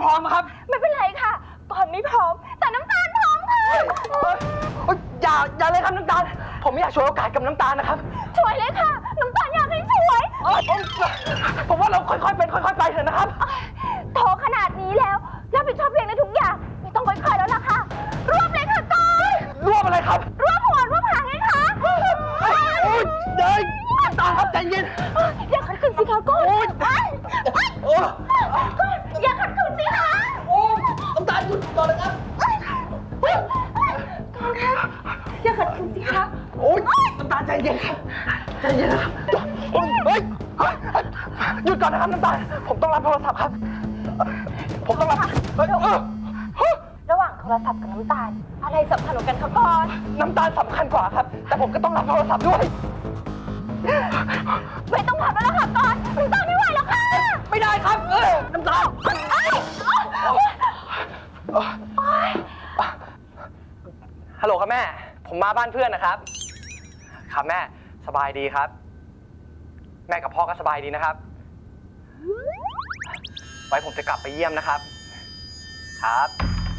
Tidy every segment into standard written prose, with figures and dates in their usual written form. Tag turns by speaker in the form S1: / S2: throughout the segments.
S1: ร้อมครับ
S2: ไม่เป็นไรค่ะก่อนไม่พร้อมแต่น้ำตาลพร้อมค่ะ
S1: อย่าเลยครับน้ำตาลผมไม่อยากช่วยโอกาสกับน้ำตาลนะครับ
S2: ช่วยเลยค่ะน้ำตาลอยากให้ช่วย
S1: ผมว่าเราค่อยๆเป็นค่อยๆไปเถอะนะครับ
S2: โตขนาดนี้แล้วรับผิดชอบเองในทุกอย่างไม่ต้องค่อยๆแล้วล่ะค่ะรวบเลยค่ะก่อน
S1: รวบอะไรครับ
S2: รวบหัวรวบหางไงคะ
S1: เดินน้ำตาลครับใจเย็น
S2: อย่าขัดขืนสิคะก่อนอย่าขัดขืนสิคะ
S1: น้ำตาลหยุดก่อนนะครับ
S2: ก่อนค่ะอย่าขัดขืนสิคะ
S1: น้ำตาลใจเย็นครับใจเย็นนะครับหยุดก่อนนะครับน้ำตาลผมต้องรับโทรศัพท์ครับผมต้องรับ
S2: ระหว่างโทรศัพท์กับน้ำตาลอะไรสำคัญกว่ากันคะก่อน
S1: น้ำตาลสำคัญกว่าครับแต่ผมก็ต้องรับโทรศัพท์ด้วย
S2: ไม่ต้องขับแล้วล่ะค่ะก่อนน้ำตาลไม่ไหวแล้วค่ะ
S1: ไม่ได้ครับน้ำตาลฮัลโหลครับแม่ผมมาบ้านเพื่อนนะครับครับแม่สบายดีครับแม่กับพ่อก็สบายดีนะครับไว้ผมจะกลับไปเยี่ยมนะครับครับ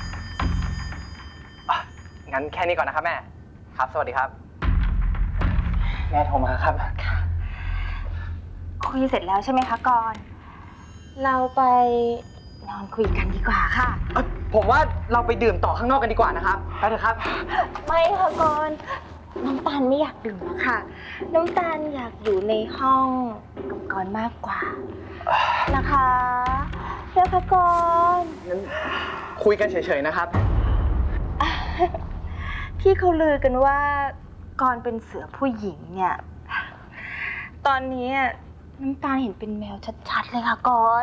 S1: งั้นแค่นี้ก่อนนะครับแม่ครับสวัสดีครับแม่โทรมาครับ
S2: คุยเสร็จแล้วใช่ไหมคะก่อนเราไปนอนคุยกันดีกว่าค่ะ
S1: ผมว่าเราไปดื่มต่อข้างนอกกันดีกว่านะครับไปเถอะครับ
S2: ไม่ค่ะก่อนน้ำตาลไม่อยากดื่มแล้วค่ะน้ำตาลอยากอยู่ในห้องกับก่อนมากกว่านะคะเดี๋ยวค่ะก่อน
S1: งั้นคุยกันเฉยๆนะครับ
S2: ที่เขาลือกันว่าก่อนเป็นเสือผู้หญิงเนี่ยตอนนี้น้ำตาลเห็นเป็นแมวชัดๆเลยค่ะก่อน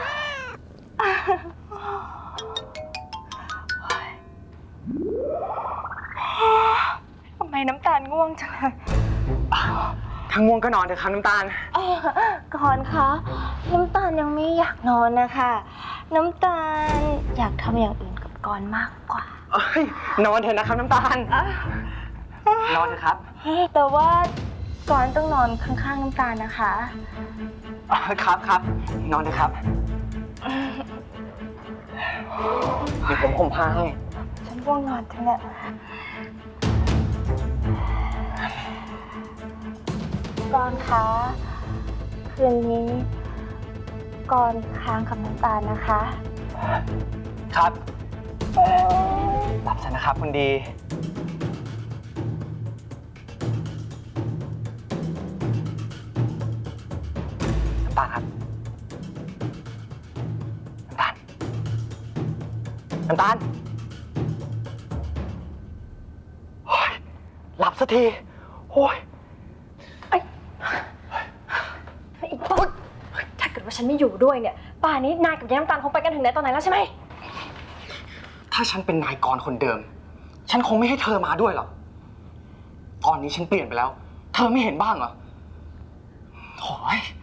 S2: ทำไมน้ำตาลง่วงจังเลย
S1: ถ้าง่วงก็นอนเถอะครับน้ำตาล
S2: ก่อนคะน้ำตาลยังไม่อยากนอนนะคะน้ำตาลอยากทำอย่างอื่นกับก่อนมากกว่
S1: านอนเถอะนะครับน้ำตาลนอนเถอะครับ
S2: แต่ว่าก่อนต้องนอนข้างๆน้ำตาลนะคะ
S1: ครับนอนเถอะครับเดี๋ยวผมห่มผ้าให้
S2: ฉันง่วงนอนจังเนี่ยก่อนคะคืนนี้ก่อนค้างกับน้ำตาลนะคะ
S1: ครับหลับซะนะครับคุณดีน้ำตาลครับน้ำตาลโอ้ยหลับสักทีโอ้ย
S2: ถ้าเกิดว่าฉันไม่อยู่ด้วยเนี่ยป่านนี้นายกับยายน้ำตาลคงไปกันถึงไหนตอนไหนแล้วใช่ไหม
S1: ถ้าฉันเป็นนายกรคนเดิมฉันคงไม่ให้เธอมาด้วยหรอกตอนนี้ฉันเปลี่ยนไปแล้วเธอไม่เห็นบ้างเหรอโอ้ย